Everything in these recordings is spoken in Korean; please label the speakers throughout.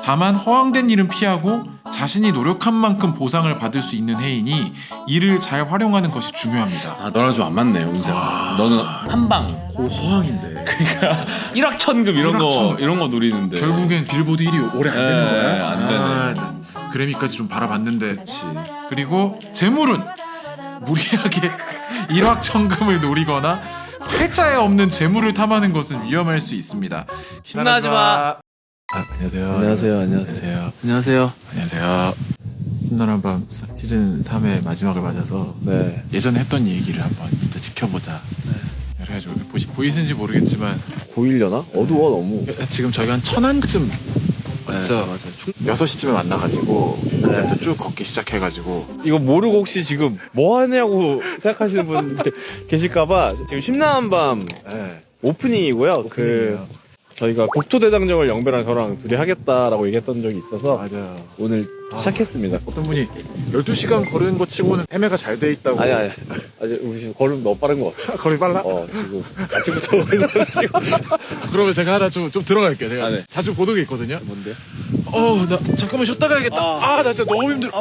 Speaker 1: 다만 허황된 일은 피하고 자신이 노력한 만큼 보상을 받을 수 있는 해이니 이를 잘 활용하는 것이 중요합니다.
Speaker 2: 아 너랑 좀 안 맞네 운세가. 너는 한방
Speaker 1: 허황인데
Speaker 2: 일확천금 이런
Speaker 1: 일확천금.
Speaker 2: 거 노리는데
Speaker 1: 결국엔 빌보드 1위 오래 안 되는 거야?
Speaker 2: 안 되네.
Speaker 1: 난 그래미까지 좀 바라봤는데. 그리고 재물은 무리하게 일확천금을 노리거나 회자에 없는 재물을 탐하는 것은 위험할 수 있습니다.
Speaker 2: 신나지 마.
Speaker 1: 안녕하세요.
Speaker 2: 안녕하세요. 안녕하세요.
Speaker 1: 안녕하세요. 신나는 밤 시즌 3의 마지막을 맞아서
Speaker 2: 네.
Speaker 1: 예전에 했던 얘기를 한번 진짜 지켜보자. 그래가지고 보이시는지 모르겠지만
Speaker 2: 보이려나? 어두워 너무.
Speaker 1: 지금 저희가 한 천안쯤 맞죠?
Speaker 2: 맞아.
Speaker 1: 6시쯤에 만나가지고 또 쭉 걷기 시작해가지고
Speaker 2: 이거 모르고 혹시 지금 뭐 하냐고 생각하시는 분 계실까봐 지금 심란한 밤
Speaker 1: 네.
Speaker 2: 오프닝이고요. 그 저희가 국토대장정을 영배랑 저랑 둘이 하겠다라고 얘기했던 적이 있어서
Speaker 1: 맞아요.
Speaker 2: 오늘 시작했습니다.
Speaker 1: 어떤 분이 12시간 걸은 거 치고는 헤매가 잘 돼 있다고.
Speaker 2: 아니 아직 우리 지금 걸음 너무 빠른 것 같아.
Speaker 1: 걸이 빨라?
Speaker 2: 지금 아침부터 걸으시고.
Speaker 1: 그러면 제가 하나 좀 들어갈게요. 제가
Speaker 2: 네.
Speaker 1: 자주 보는 게 있거든요.
Speaker 2: 뭔데?
Speaker 1: 나 잠깐만 쉬었다 가야겠다. 나 진짜 너무 힘들어.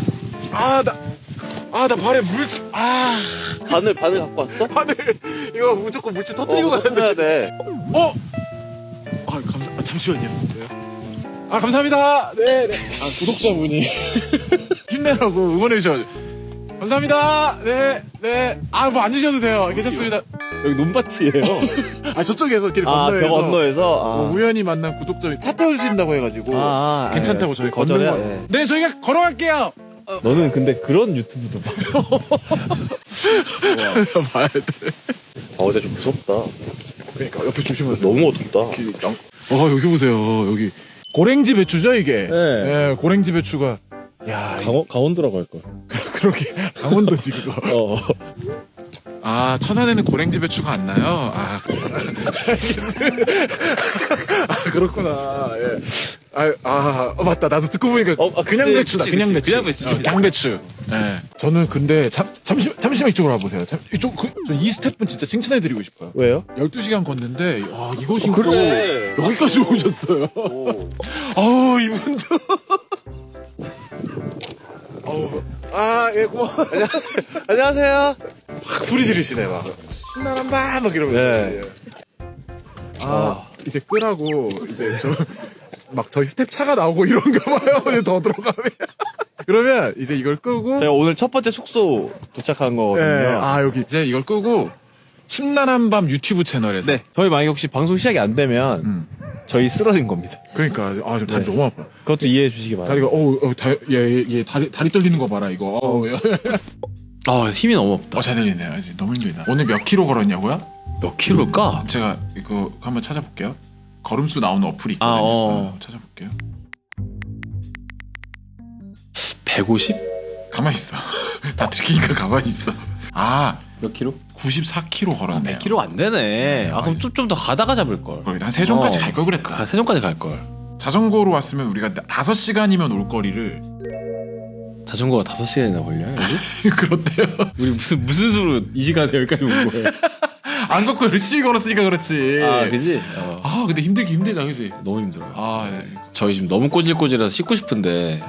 Speaker 1: 나 발에 물집.
Speaker 2: 바늘 갖고 왔어?
Speaker 1: 바늘 이거 무조건 물집 터뜨리고 가야 돼.
Speaker 2: 해야 돼.
Speaker 1: 잠시만요. 감사합니다. 네. 구독자분이 힘내라고 응원해 주셔. 감사합니다. 네. 뭐 안 주셔도 돼요. 괜찮습니다.
Speaker 2: 여기 논밭이에요.
Speaker 1: 저쪽에서 길 건너에서.
Speaker 2: 벽 건너에서.
Speaker 1: 우연히 만난 구독자분이 차 태워주신다고 해가지고 괜찮다고 저희
Speaker 2: 거절해야
Speaker 1: 걷는 거. 네, 저희가 걸어갈게요.
Speaker 2: 너는 근데 그런 유튜브도 봐.
Speaker 1: 봐야 돼.
Speaker 2: 어제 좀 무섭다.
Speaker 1: 그러니까 옆에 조심하세요.
Speaker 2: 너무 어둡다.
Speaker 1: 여기 보세요. 여기 고랭지 배추죠 이게.
Speaker 2: 네.
Speaker 1: 고랭지 배추가. 야,
Speaker 2: 강원도라고 할 걸.
Speaker 1: 그렇게 강원도지 그거. 천안에는 고랭지 배추가 안 나요. 그렇구나. 예. 맞다. 나도 듣고 보니까 그냥
Speaker 2: 그치,
Speaker 1: 배추다.
Speaker 2: 그치,
Speaker 1: 그냥
Speaker 2: 그치.
Speaker 1: 배추.
Speaker 2: 그냥 배추.
Speaker 1: 양배추. 예. 저는 근데 잠시만 이쪽으로 와보세요. 이쪽 이 스태프분 진짜 칭찬해드리고 싶어요.
Speaker 2: 왜요?
Speaker 1: 12시간 걷는데 이거 신고
Speaker 2: 그래.
Speaker 1: 여기까지 오셨어요. 이분도. 예, 고마워.
Speaker 2: 안녕하세요.
Speaker 1: 막 소리 지르시네, 막. 신나는 밤! 막 이러면서.
Speaker 2: 네.
Speaker 1: 이제 끄라고, 이제 저희 스텝 차가 나오고 이런가 봐요. 이제 더 들어가면. 그러면 이제 이걸 끄고.
Speaker 2: 제가 오늘 첫 번째 숙소 도착한 거거든요.
Speaker 1: 여기 이제 이걸 끄고, 심란한 밤 유튜브 채널에서.
Speaker 2: 네. 저희 만약에 혹시 방송 시작이 안 되면 저희 쓰러진 겁니다.
Speaker 1: 그러니까, 지금 다리 너무 아파.
Speaker 2: 그것도 이해해 주시기 바랍니다.
Speaker 1: 다리가, 다리 떨리는 거 봐라, 이거.
Speaker 2: 힘이 너무 없다.
Speaker 1: 잘 들리네요. 이제 너무 힘들다. 오늘 몇 킬로 걸었냐고요?
Speaker 2: 몇 킬로일까?
Speaker 1: 제가 이거 한번 찾아볼게요. 걸음수 나오는 어플이 있거든요. 찾아볼게요.
Speaker 2: 150?
Speaker 1: 가만히 있어. 다 들키니까 가만히 있어.
Speaker 2: 몇 킬로?
Speaker 1: 94km 걸었네요.
Speaker 2: 100킬로 안 되네. 그럼 좀 더 가다가 잡을 걸.
Speaker 1: 한 세종까지 갈 걸 그랬다.
Speaker 2: 세종까지 갈 걸.
Speaker 1: 자전거로 왔으면 우리가 5시간이면 올 거리를.
Speaker 2: 자전거가 5시간이나 걸려요? 여기?
Speaker 1: 그렇대요.
Speaker 2: 우리 무슨 수로 이 시간에 여기까지 온 거예요?
Speaker 1: 안 걷고 열심히 걸었으니까 그렇지.
Speaker 2: 그지?
Speaker 1: 근데 힘들다, 그지?
Speaker 2: 너무 힘들어요.
Speaker 1: 네.
Speaker 2: 저희 지금 너무 꼬질꼬질해서 씻고 싶은데.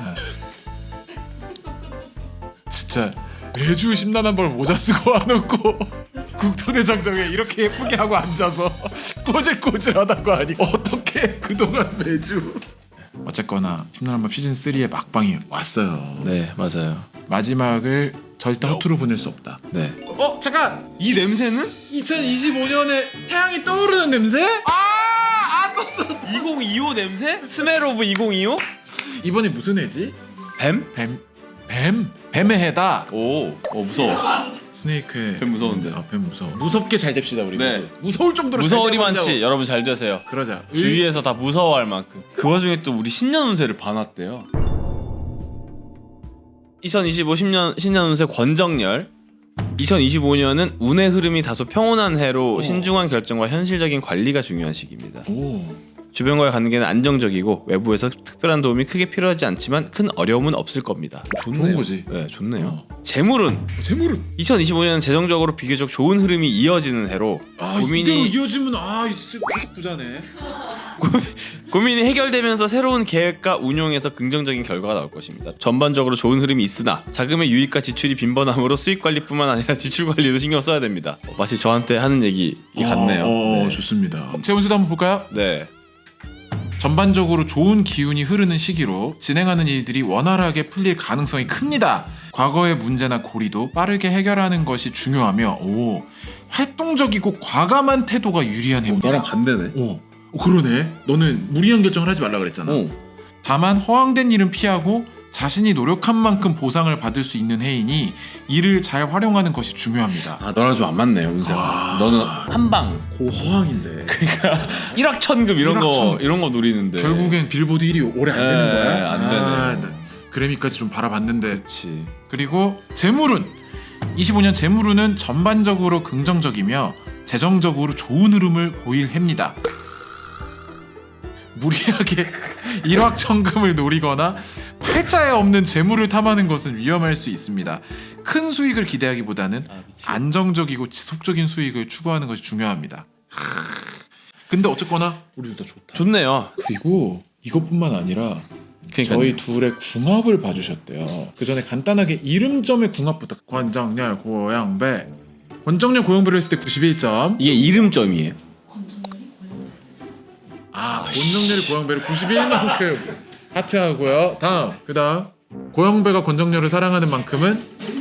Speaker 1: 진짜 매주 심란한 벌 모자 쓰고 와놓고 국토대장정에 이렇게 예쁘게 하고 앉아서 꼬질꼬질하다고 하니 어떻게 그동안 매주. 어쨌거나 심란한 밤 시즌 3의 막방이 왔어요.
Speaker 2: 네, 맞아요.
Speaker 1: 마지막을 절대 허투루 보낼 수 없다.
Speaker 2: 네.
Speaker 1: 잠깐! 이 냄새는? 2025년에 태양이 떠오르는 냄새? 떴어.
Speaker 2: 2025 냄새? 스멜 오브 2025?
Speaker 1: 이번에 무슨 해지?
Speaker 2: 뱀?
Speaker 1: 뱀의 해다.
Speaker 2: 무서워.
Speaker 1: 스네이크의
Speaker 2: 뱀 무서운데.
Speaker 1: 뱀 무서워. 무섭게 잘 됩시다 우리.
Speaker 2: 네.
Speaker 1: 무서울 정도로
Speaker 2: 무서워리만치 여러분 잘 되세요.
Speaker 1: 그러자.
Speaker 2: 주위에서 다 무서워할 만큼. 그 와중에 또 우리 신년 운세를 봐놨대요. 2025 신년 운세 권정열. 2025년은 운의 흐름이 다소 평온한 해로 신중한 결정과 현실적인 관리가 중요한 시기입니다. 주변과의 관계는 안정적이고 외부에서 특별한 도움이 크게 필요하지 않지만 큰 어려움은 없을 겁니다.
Speaker 1: 좋은 거지.
Speaker 2: 네, 좋네요. 재물은 2025년은 재정적으로 비교적 좋은 흐름이 이어지는 해로
Speaker 1: 이대로 이어지면 진짜 계속 부자네.
Speaker 2: 고민이 해결되면서 새로운 계획과 운용에서 긍정적인 결과가 나올 것입니다. 전반적으로 좋은 흐름이 있으나 자금의 유입과 지출이 빈번함으로 수익 관리뿐만 아니라 지출 관리도 신경 써야 됩니다. 마치 저한테 하는 얘기 같네요. 네.
Speaker 1: 좋습니다. 제 운세도 한번 볼까요?
Speaker 2: 네.
Speaker 1: 전반적으로 좋은 기운이 흐르는 시기로 진행하는 일들이 원활하게 풀릴 가능성이 큽니다. 과거의 문제나 고리도 빠르게 해결하는 것이 중요하며 활동적이고 과감한 태도가 유리한 해입니다.
Speaker 2: 너랑 반대네.
Speaker 1: 그러네. 너는 무리한 결정을 하지 말라 그랬잖아. 다만 허황된 일은 피하고 자신이 노력한 만큼 보상을 받을 수 있는 해이니 이를 잘 활용하는 것이 중요합니다.
Speaker 2: 아 너랑 좀 안 맞네요 운세가. 너는 한방
Speaker 1: 고허황인데.
Speaker 2: 그러니까 일확천금 이런 거 노리는데
Speaker 1: 결국엔 빌보드 1위 오래 안 되는 거야?
Speaker 2: 안 되네.
Speaker 1: 그래미까지 좀 바라봤는데.
Speaker 2: 그렇지.
Speaker 1: 그리고 재물운 25년 재물운은 전반적으로 긍정적이며 재정적으로 좋은 흐름을 보일 해입니다. 무리하게 일확천금을 노리거나 팔자에 없는 재물을 탐하는 것은 위험할 수 있습니다. 큰 수익을 기대하기보다는 안정적이고 지속적인 수익을 추구하는 것이 중요합니다. 근데 어쨌거나 우리 둘 다 좋다.
Speaker 2: 좋네요.
Speaker 1: 그리고 이것뿐만 아니라
Speaker 2: 그러니까요.
Speaker 1: 저희 둘의 궁합을 봐주셨대요. 그 전에 간단하게 이름점의 궁합부터. 권정열 고영배. 권정열 고영배를 했을 때 91점.
Speaker 2: 이게 이름점이에요.
Speaker 1: 권정열이 고영배를 91만큼 하트하고요. 그다음 고영배가 권정열을 사랑하는 만큼은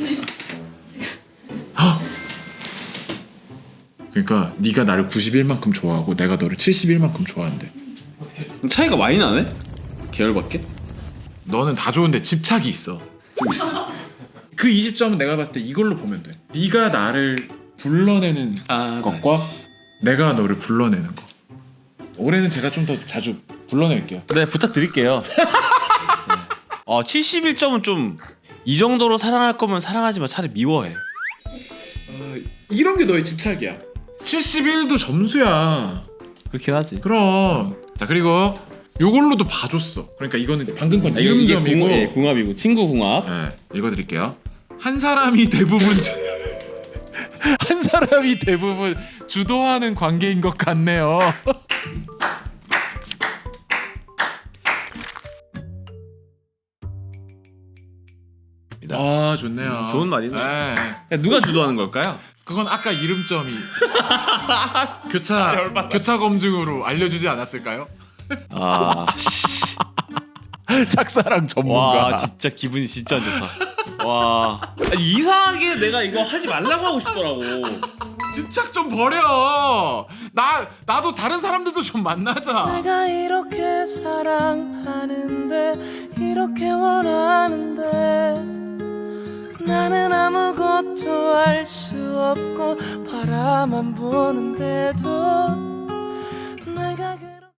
Speaker 1: 그러니까 네가 나를 91만큼 좋아하고 내가 너를 71만큼 좋아한대.
Speaker 2: 차이가 많이 나네? 계열밖에?
Speaker 1: 너는 다 좋은데 집착이 있어. 좀 있지. 그 20점은 내가 봤을 때 이걸로 보면 돼. 네가 나를 불러내는 것과 내가 너를 불러내는 거. 올해는 제가 좀 더 자주 불러낼게요.
Speaker 2: 네 부탁드릴게요. 71점은 좀 이 정도로 사랑할 거면 사랑하지 마. 차라리 미워해.
Speaker 1: 이런 게 너의 집착이야. 71도 점수야.
Speaker 2: 그렇긴 하지.
Speaker 1: 그럼. 자 그리고 요걸로도 봐줬어. 그러니까 이거는 방금 건 이름점이고
Speaker 2: 궁합이고 친구 궁합.
Speaker 1: 네, 읽어드릴게요. 한 사람이 대부분 주도하는 관계인 것 같네요. 좋네요.
Speaker 2: 좋은 말이네.
Speaker 1: 네.
Speaker 2: 누가 주도하는 걸까요?
Speaker 1: 그건 아까 이름점이 교차 검증으로 알려주지 않았을까요? 짝사랑 전문가.
Speaker 2: 와 진짜 기분이 진짜 안 좋다. 와 이상하게 내가 이거 하지 말라고 하고 싶더라고.
Speaker 1: 집착 좀 버려. 나도 다른 사람들도 좀 만나자.
Speaker 3: 내가 이렇게 사랑하는데 이렇게 원하는데 나는 아무것도 할 수 없고 바라만 보는데도